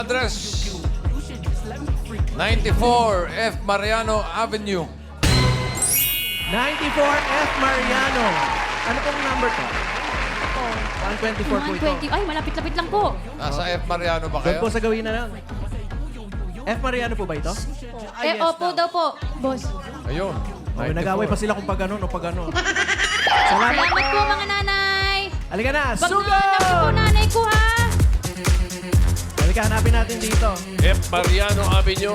Address 94 F. Mariano Avenue. 94 F. Mariano. Ano pong number to? 124 po ito. 120. Ay, malapit-lapit lang po. Nasa F. Mariano ba Doon kayo? po sa gawin na lang. F. Mariano po ba ito? Opo daw po, boss. Ayun. Ay, nag-away pa sila kung pag ganun o pag ganun. Salamat po, mga nanay. Halika na, Pag sugo! nahanap ko, nanay ko, ha? Halika, hanapin natin dito. F. Mariano Avenue.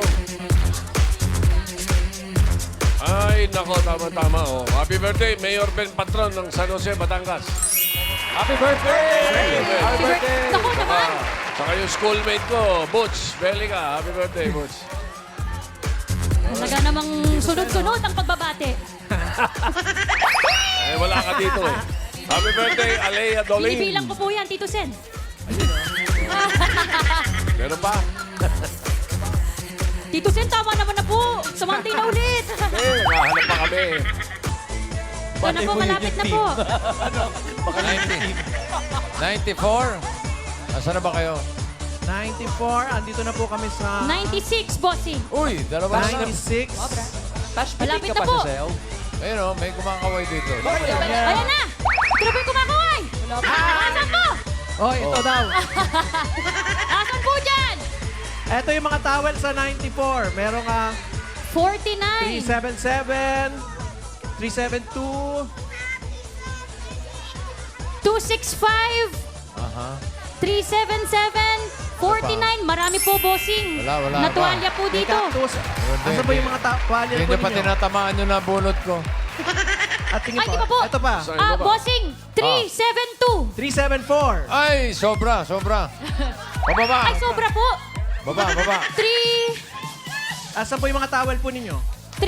Ay, nako, tama-tama. Oh. Happy birthday, Mayor Ben Patron ng San Jose, Batangas. Happy birthday! Happy birthday! Naku naman. Saka yung schoolmate ko, Butch Belica. Happy birthday, Butch. Talaga namang sunod-sunod ang pagbabate. Eh, wala ka dito eh. Happy birthday, Alea Dolin. Binibilang ko po yan, Tito Sen. Meron pa? Tito Sen, tama naman na po. Sumantay na ulit. Eh, nakahanap pa kami. Ito na po, malapit na po. 94? Nasaan na ba kayo? 94, andito na po kami sa 96, bossing. Uy, dalawa na. 96. Malapit na po. Ayun o, may kumakaway dito. Ayan na. Ito po yung kumakaway. Asan po? Oh, ito daw. Asan po dyan? Ito yung mga towel sa 94. Merong 49. 377, 372, 265. Aha. 377. 49. Marami po, bossing. Wala Natuwalya po may dito. cactus. Asa ba yung mga towel Hindi po pa ninyo? tinatamaan nyo na bunot ko. At tingin Ay, di pa po. Ito pa. Saan ba? Bossing. 372. 374. Ay, sobra. Pababa. Ay, sobra po. Baba. 3. Asan po yung mga towel po ninyo?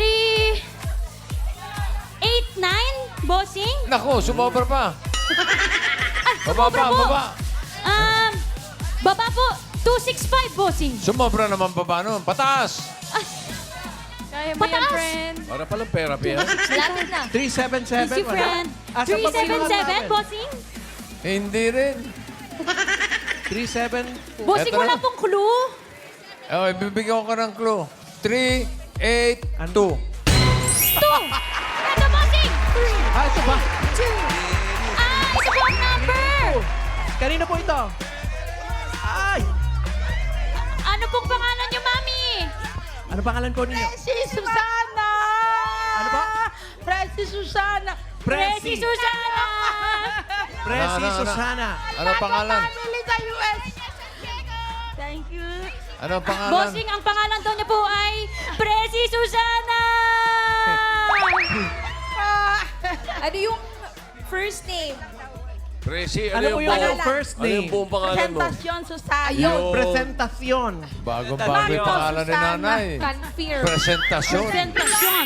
389, bossing. Naku, sumobra pa. Baba. Baba po, 265, bossing. Sumobra naman baba nun. Pataas. Kaya mo yan, Pataas. friend. Para palang therapy, ha? Malapit na. 377. Easy, friend. Asan pa po yung mga 377, towel? bossing. Hindi rin. 37. Bossing, Eto wala na. pong clue. Okay, bibigyan ko ng clue. 382. 2. Ito, bossing. Ito ba? Ito po ang number. Kanina po ito. Ay! Ano pong pangalan niyo, mami? Ano pangalan po ninyo? Si Susana! Ano ba? Presi Susana! Presi Susana. Presi Ano? Susana. Ano pangalan? Family sa US! Thank you. Ano pangalan? Bossing, ang pangalan daw niya po ay Presi Susana. Ano yung first name? Tracy, Ano po yung pangalan? first Ano yung name? buong pangalan mo? Presentasyon Susana. Ayun. Presentasyon. Bago-bago yung pangalan ni nanay. Confirm. Presentasyon. Presentasyon.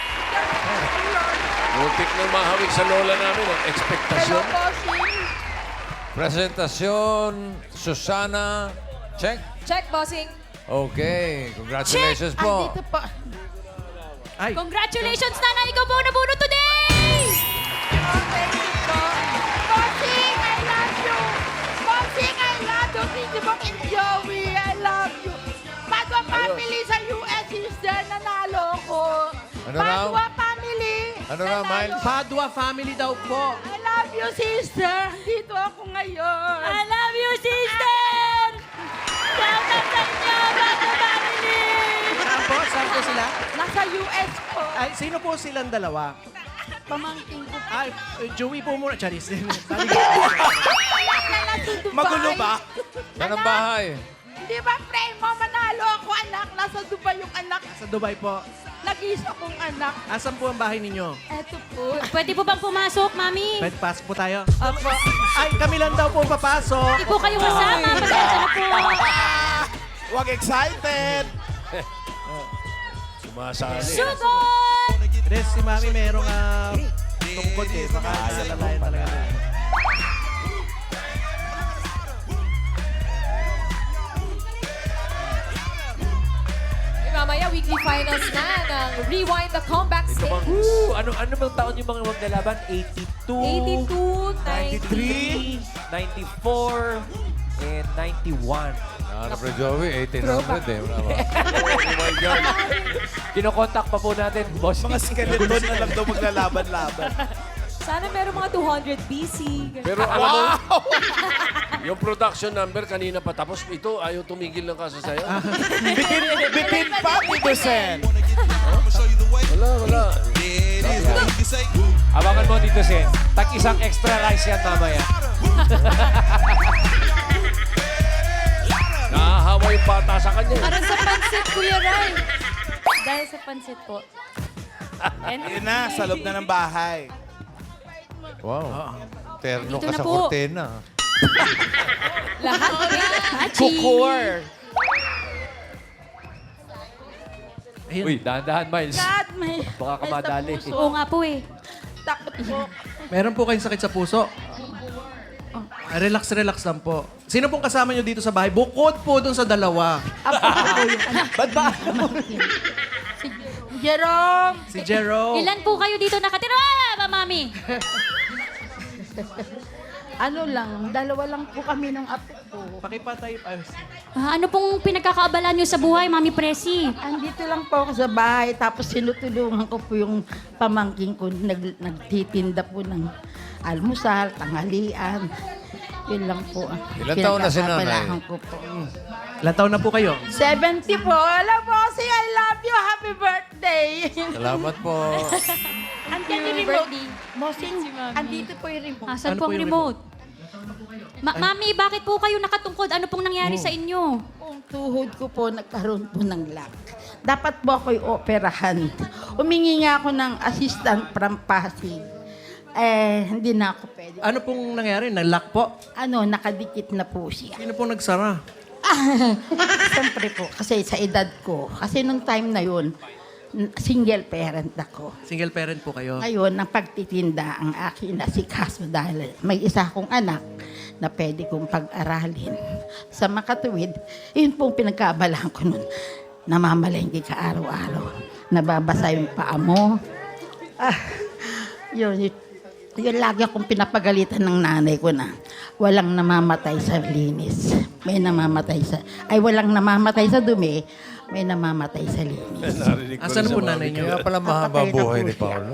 Muntik nang mahawig sa lola namin, ang Hello, ekspektasyon. bossing. Presentasyon. Susana. Check. Check, bossing. Okay. Congratulations po. Andito po. Ay, Congratulations, nanay. Ikaw po ang nabunot today. Oh, thank you po. Bossing, I love you. Bossing, I love you. Tito Bong and Joey, I love you. Padua family sa US is there, nanalo ko. Ano raw? Padua family. Ano raw, nanalo. Miles? Padua family daw po. I love you, sister. Dito ako ngayon. I love you, sister. Shout out sa inyo, Bago Family. Saan po? Saan po sila? Nasa US po. Ay, sino po silang dalawa? Pamangkin ko. Ay, Joey po muna. Charis. Dubai. Magulo ba? Saan ang bahay? Di ba, friend mo, manalo ako, anak. Nasa Dubai yung anak. Sa Dubai po. Nag-isa kong anak. Asan po ang bahay ninyo? Eto po. Pwede po bang pumasok, mami? Pwede pasok po tayo. Opo. Ay, kami lang daw po papasok. Hindi po kayo kasama. Pasensya na po. Wag excited! Sumasali. Sugod! Res, si Mami merong tungkod eh. Baka nalalayan talaga. Mamaya, weekly finals na ng Rewind the Comeback Ito Stage. bang, Ano bang taon yung mga maglalaban? 82, 82, 93, 94, 91. Ano, Pre Joey? 1800 eh. Wala ba? Oh my God. Kinokontak pa po natin, boss. Mga skeleton na lang daw maglalaban-laban. Sana meron mga 200 BC. Pero alam mo, yung production number kanina pa tapos ito ayaw tumigil ng kaso sa'yo. Bitin pa, Tito Sen. Wala. Abangan mo, Tito Sen. Isang extra rice yan mamaya. Nahahawa yung bata sa kanya. Para sa pansit, Kuya Ray. Dahil sa pansit po. Yun na, sa loob na ng bahay. Wow. Terno Dito ka na sa po. kortena. Lahat Hachi. Kukor. Uy, dahan-dahan, Miles. God, may... Baka ka madali. Oo nga po eh. Takot po. Meron po kayong sakit sa puso? Relax lang po. Sino pong kasama nyo dito sa bahay? Bukod po dun sa dalawa. Ba't ba? Jerome! Si Jero. Ilan po kayo dito nakatira? Mami. Ano lang, dalawa lang po kami ng apo ko. Pakipatay. Ano pong pinagkakaabalan nyo sa buhay, Mami Presi? Andito lang po ako sa bahay, tapos sinutulungan ko po yung pamangking ko, nagtitinda po ng almusal, tanghalian. Yun lang po. Ilan taon na si nanay? Pinagkakabalahan ko po. Ilan taon na po kayo? 70 po. Alam po, say I love you. Happy birthday. Salamat po. Andiyan yung remote. Mosing, andito po yung remote. Asan Ano po ang po yung remote? Mami, bakit po kayo nakatungkod? Ano pong nangyari sa inyo? Ang tuhod ko po, nagkaroon po ng lock. Dapat po ako'y operahan. Umingi nga ako ng assistant from Pasig. Hindi na ako pwede. Ano pong nangyari? Nag-lock po? Nakadikit na po siya. Sino pong nagsara? Siyempre po, kasi sa edad ko. Kasi nung time na yun, single parent ako. Single parent po kayo? Ngayon, ang pagtitinda ang akin na si Kaso dahil may isa akong anak na pwede kong pag-aralin. Sa makatuwid, yun pong pinagkaabalahan ko nun. Namamalengke ka araw-araw. Nababasa yung paa mo. Yun lagi akong pinapagalitan ng nanay ko na walang namamatay sa linis. Walang namamatay sa dumi, may namamatay sa linis. Narinig ko Asan rin po sa nanay mami. niyo? Kaya pala mahaba Napatay na buhay po ni siya. Paolo.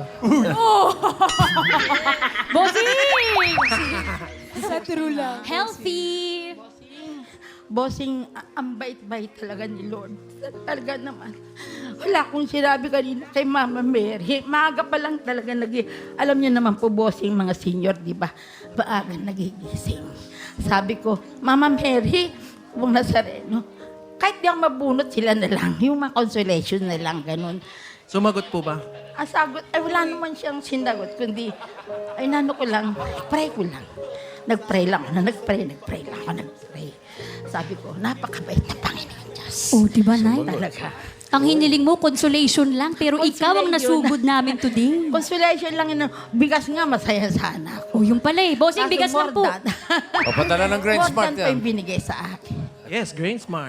Bossing! Sa true lang. Healthy! Bossing, ang bait-bait talaga ni Lord. Talaga naman. Wala akong sinabi kanina kay Mama Mary. Maaga pa lang talaga alam niyo naman po, bossing, mga senior, di ba? Maaga nagigising. Sabi ko, Mama Mary, kung Nazareno, kahit di ako mabunot, sila na lang. Yung mga consolation na lang, ganun. Sumagot po ba? Ang sagot, wala naman siyang sinagot, kundi, nano ko lang, pray ko lang. Nagpray lang ako, nagpray lang ako. Sabi ko, napakabait na Panginoon Diyos. Oh, di ba, Nay? Talaga. Ang hiniling mo, consolation lang, pero ikaw ang Consolation. nasugod namin today. Consolation lang yun. Bigas nga, masaya sana ako. Oh, yung pala eh. Bossing, Kaso bigas lang po. more than- O, padala ng Grand more Smart than pa yan. yung binigay sa akin. Yes, Grain Smart.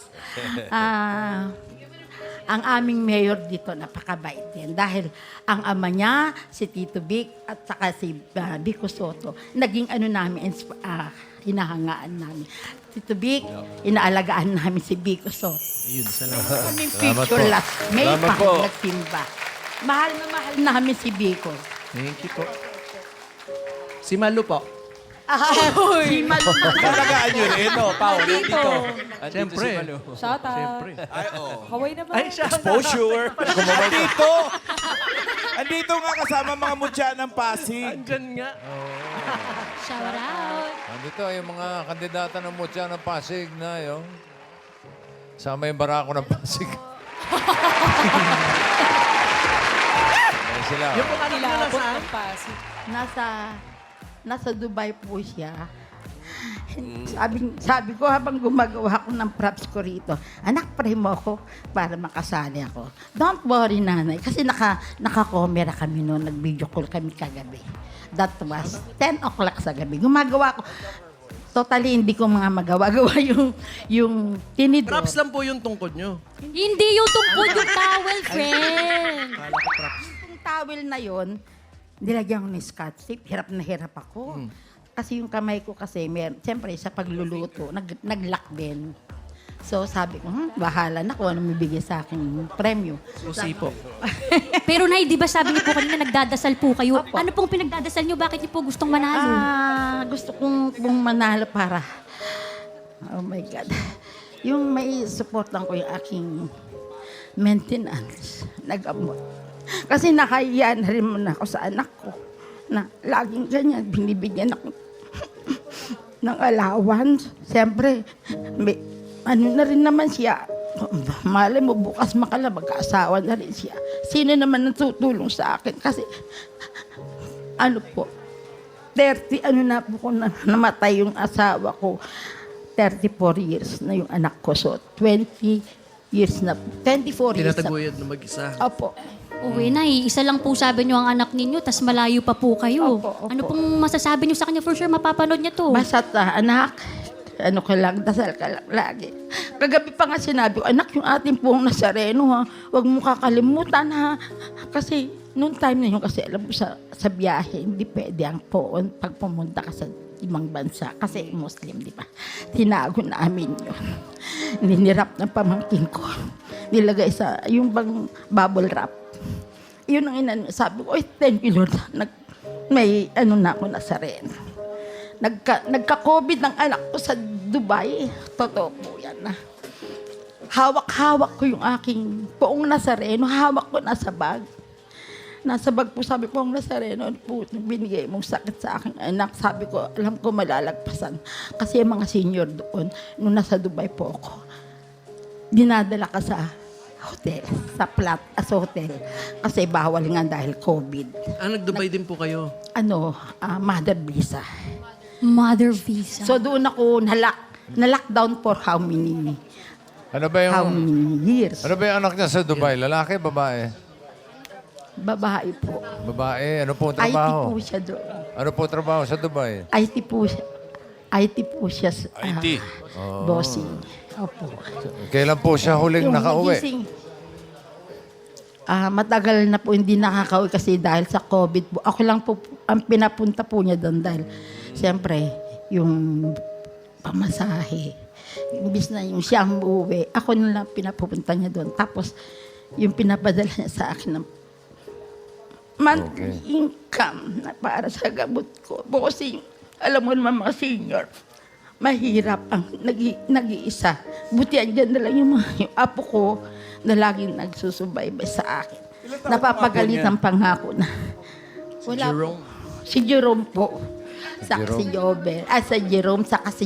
Ang aming mayor dito, napakabait din. Dahil ang ama niya, si Tito Vic, at saka si Vico Soto, naging namin, hinahangaan namin. Tito Vic, inaalagaan namin si Vico Soto. Ayun, salamat. Kaming Salamat picture po. last May Salamat pa po. nagtimba. Mahal na mahal namin si Vico. Thank you po. Si Malu po. Si Malu na Talagaan nyo rin. Ito, Pao, dito. Siyempre. Shout out. Siyempre. Ay, oh. Kaway naman. Ay, siya. Exposure. Andito nga kasama mga mutya ng Pasig. Andyan nga. Shout out. Nandito yung mga kandidata ng Mutya ng Pasig na yung sama yung barako ng Pasig. Ayan sila. Yung po kanina Kilabot nasaan? ng Pasig. nasa Dubai po siya. Sabi ko habang gumagawa ko ng props ko rito, anak, pray mo ako para makasali ako. Don't worry, nanay. Kasi naka-camera kami noon, nag-video call kami kagabi. That was 10 o'clock sa gabi. Gumagawa ko. Totally, hindi ko mga magawa-gawa yung tinidor. Props lang po yung tungkod nyo. Hindi yung tungkod yung towel, friend. Kala ko props. Yung towel na yon, nilagyan ko ng Scotch tape. Hirap na hirap ako. Kasi yung kamay ko kasi, siyempre sa pagluluto, nag-lock din. So sabi ko, bahala na kung ano mabigay sa akin premyo. Susi po. Pero Nay, di ba sabi niyo po kanina nagdadasal po kayo? Opo. Ano pong pinagdadasal niyo? Bakit niyo po gustong manalo? Gusto kong manalo para, oh my God, yung may supportan ko yung aking maintenance, nag-abot. Kasi nakahiya na rin muna ako sa anak ko na laging ganyan, binibigyan ako ng allowance. Siyempre, may, ano na rin naman siya, malay mo bukas magkaasawa na rin siya. Sino naman ang tutulong sa akin? Kasi, ano po, 30, ano na po kung namatay yung asawa ko, 34 years na yung anak ko. So, 20 years na, 24 years na. Tinataguyod na mag-isa. Opo. Uwi, Nay, isa lang po sabi niyo ang anak ninyo, tas malayo pa po kayo. Opo, opo. Ano pong masasabi niyo sa kanya? For sure, mapapanood niya to. Basta anak, ano ka lang, dasal ka lang lagi. Kagabi pa nga sinabi ko, anak, yung ating pong Nazareno, ha, huwag mo kakalimutan, ha. Kasi, noong time na yun, kasi alam mo, sa biyahe, hindi pwede ang poon pag pumunta ka sa ibang bansa. Kasi Muslim, di ba? Tinago namin yun. Ninirap ng pamangkin ko. Nilagay sa, yung bang bubble wrap. Yun ang inan, sabi ko, thank you Lord. May ano na ako Nazareno. Nagka-COVID ng anak ko sa Dubai. Totoo po yan na. Hawak-hawak ko yung aking poong Nazareno. Hawak ko nasa bag. Nasa bag po, sabi ko, ang Nazareno, po, binigay mong sakit sa aking anak. Sabi ko, alam ko malalagpasan. Kasi yung mga senior doon, nung nasa Dubai po ako, dinadala ka sa hotel, sa hotel. Kasi bawal nga dahil COVID. Nag-Dubai din po kayo. Mother visa. Mother visa. So doon ako na-lockdown for how many Ano ba years? Ano ba yung anak niya sa Dubai? Lalaki, babae? Babae po. Babae, ano po ang IT trabaho? po siya doon. Ano po trabaho sa Dubai? IT po siya. IT po siya. IT. Bossing. Opo. Kailan po siya huling nakauwi? gising, matagal na po hindi nakakauwi kasi dahil sa COVID po. Ako lang po ang pinapunta po niya doon dahil siyempre yung pamasahe. Imbis na yung siyang uuwi, ako na lang pinapupunta niya doon. Tapos yung pinapadala niya sa akin ng monthly income na para sa gamot ko. Kasi alam mo naman mga senior, mahirap ang nag-iisa. Buti andyan na lang yung apo ko na laging nagsusubaybay sa akin. Napapagalitan pangako na. Wala Jerome. Po. Si Jerome po. Saka si Jobel. Sa Jerome, saka si,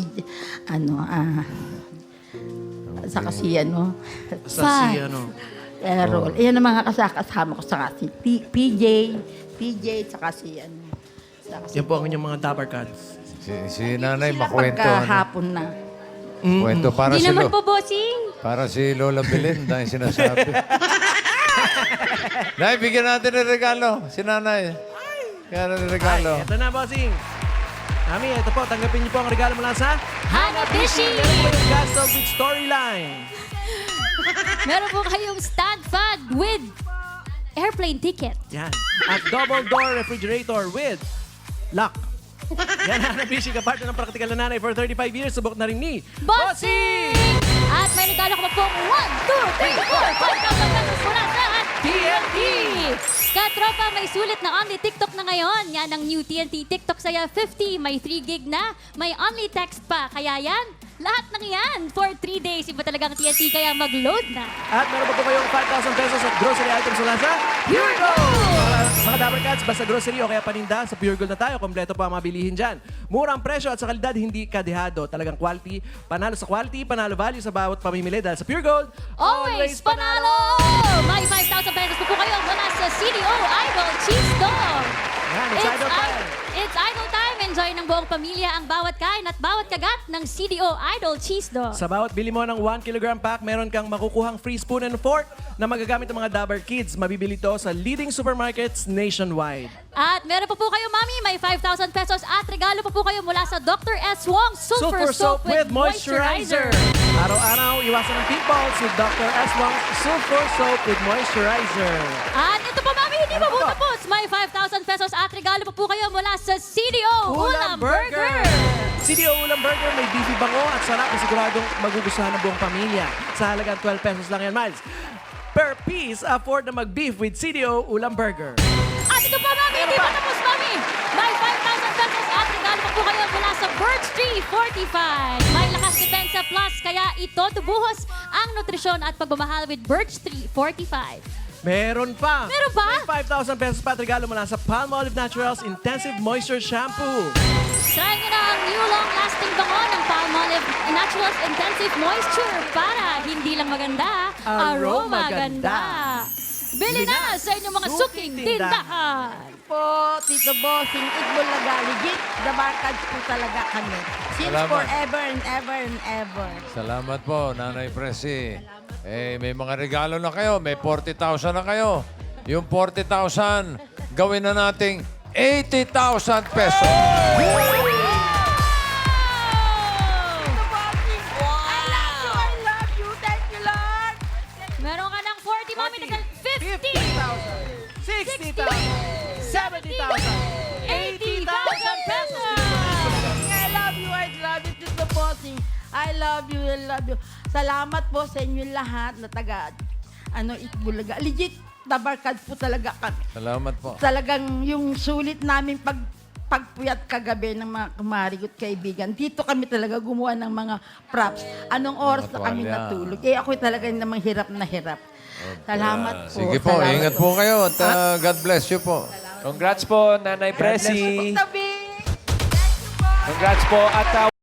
saka si, Sa si, Errol. Iyan ang mga kasama ko. Saka si PJ, saka si, saka si Yan po ang inyong mga Dabar Cats. Si nanay sila makwento. pagkahapon na. Kwento para Hindi si naman po, bossing. Para si Lola Belen dahil sinasabi. Nay, bigyan natin ng regalo. Si nanay. Kaya ng regalo. Ito na, bossing. Mami, ito po. Tanggapin niyo po ang regalo mula sa Hanabishi! Meron po yung Gasol with Storyline. Meron po kayong stand fan with airplane ticket. Yan. At double door refrigerator with lock. Yan, Hanabishi, kapartner ng praktikal na nanay for 35 years. Subok na rin ni Bossing! At may regalo ko pa pong 1, 2, 3, 4, 5,000 pesos mula sa TNT! Katropa, may sulit na only TikTok na ngayon. Yan ang new TNT TikTok Saya 50. May 3 gig na, may only text pa. Kaya yan, lahat ng yan for 3 days. Iba talagang TNT, kaya mag-load na. At meron pa po kayong 5,000 pesos at grocery items mula sa Pure Gold! Mga Dabar Cats, basta grocery o kaya paninda, sa Pure Gold na tayo. Kompleto pa ang mabilihin dyan. Murang presyo at sa kalidad, hindi kadehado. Talagang quality, panalo value sa bawat pamimili. Dahil sa Pure Gold, Always panalo! May 5,000 pesos po kayo mula sa CDO Idol Cheese Dog. Yan, it's idol time. It's idol time. Enjoy ng buong pamilya ang bawat kain at bawat kagat ng CDO Idol Cheese Dog. Sa bawat bili mo ng 1 kilogram pack, meron kang makukuhang free spoon and fork na magagamit ng mga Dabar Kids. Mabibili to sa leading supermarkets nationwide. At meron pa po kayo, Mami, may 5,000 pesos at regalo pa po kayo mula sa Dr. S. Wong Super Soap with Moisturizer. Araw-araw, iwasan ng pimples with Dr. S. Wong Super Soap with Moisturizer. At ito pa, Mami, hindi pa po tapos. May 5,000 pesos at regalo pa po kayo mula sa CDO Ulam Burger. CDO Ulam Burger, may beefy bango at sarap na siguradong magugustuhan ng buong pamilya. Sa halagang 12 pesos lang yan, Miles. Per piece, afford na mag-beef with CDO Ulam Burger. At ito pa, Mami, hindi pa tapos, Mami. May 5,000 pesos at regalo pa po kayo mula sa Birch Tree Fortified. May lakas depensa plus, kaya ito tubuhos ang nutrisyon at pagmamahal with Birch Tree Fortified. Meron pa. Meron pa? May 5,000 pesos pa at regalo mula sa Palmolive Naturals Intensive Moisture Shampoo. Try nyo na ang new long-lasting bango ng Palmolive Naturals Intensive Moisture para hindi lang maganda, aroma ganda. Bili na sa inyong mga suking tindahan. Po, Tito Bossing, Itbulaga, legit, the barkads po talaga kami. Since Salamat. forever and ever and ever. Salamat po, Nanay Presi. May mga regalo na kayo. May 40,000 na kayo. Yung 40,000, gawin na nating 80,000 pesos. I love you, thank you, Lord. Meron ka ng 40, Mami, nagal 50. 60,000, 70,000, 80,000 pesos. I love you, Tito Bossing. I love you. Salamat po sa inyo lahat na taga, Itbulaga. Legit, the barkads po talaga kami. Salamat po. Talagang yung sulit namin pagpuyat kagabi ng mga kumarigot kaibigan. Dito kami talaga gumawa ng mga props. Anong oras na kami tuwalya. natulog. Ako talaga namang hirap na hirap. Salamat po. Sige po, salamat ingat po kayo at God bless you po. Congrats po, Nanay Presi. Tabi. Congrats po at